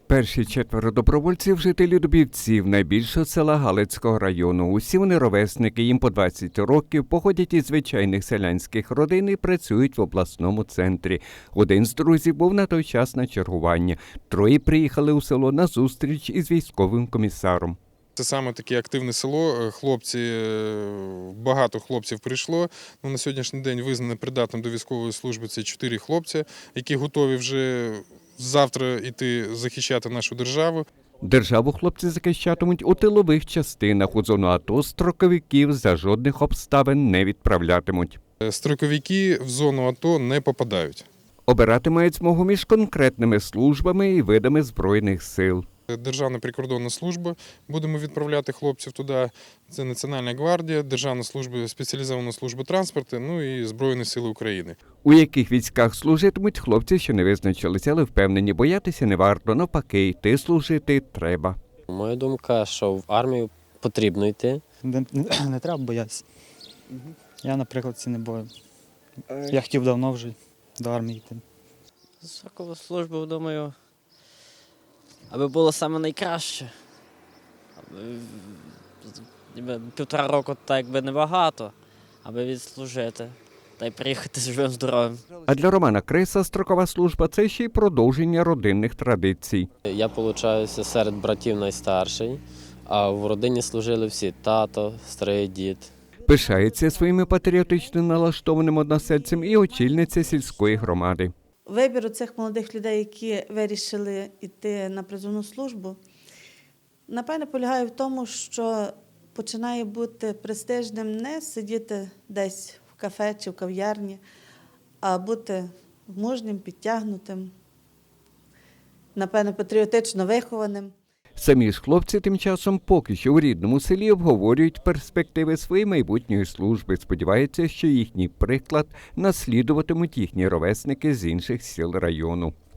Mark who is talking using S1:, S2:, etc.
S1: Перші 4 добровольців – жителі Дубівців, найбільшого села Галицького району. Усі вони ровесники, їм по 20 років, походять із звичайних селянських родин і працюють в обласному центрі. Один з друзів був на той час на чергуванні. Троє приїхали у село на зустріч із військовим комісаром.
S2: Це саме таке активне село, багато хлопців прийшло. На сьогоднішній день визнано придатним до військової служби це 4 хлопці, які готові вже завтра йти захищати нашу державу.
S1: Державу хлопці захищатимуть у тилових частинах. У зону АТО строковиків за жодних обставин не відправлятимуть.
S2: Строковики в зону АТО не попадають.
S1: Обирати мають змогу між конкретними службами і видами Збройних сил.
S2: Державна прикордонна служба, будемо відправляти хлопців туди, це Національна гвардія, Державна служба, спеціалізована служба транспорту, ну і Збройні сили України.
S1: У яких військах служитимуть, хлопці ще не визначилися, але впевнені, боятися не варто, навпаки, йти служити треба.
S3: Моя думка, що в армію потрібно йти.
S4: Не треба боятися. Я, наприклад, не бою. Я хотів давно вже до армії йти.
S5: Строкову службу, думаю, аби було саме найкраще. Аби 1,5 року так якби небагато, аби відслужити та й приїхати живим здоровим.
S1: А для Романа Криса строкова служба – це ще й продовження родинних традицій.
S3: Я, виходить, серед братів найстарший, а в родині служили всі – тато, старий дід.
S1: Пишається своїми патріотично налаштованим односельцем і очільниця сільської громади.
S6: Вибір у цих молодих людей, які вирішили йти на призовну службу, напевне, полягає в тому, що починає бути престижним не сидіти десь в кафе чи в кав'ярні, а бути мужнім, підтягнутим, напевне, патріотично вихованим.
S1: Самі ж хлопці тим часом поки що у рідному селі обговорюють перспективи своєї майбутньої служби. Сподіваються, що їхній приклад наслідуватимуть їхні ровесники з інших сіл району.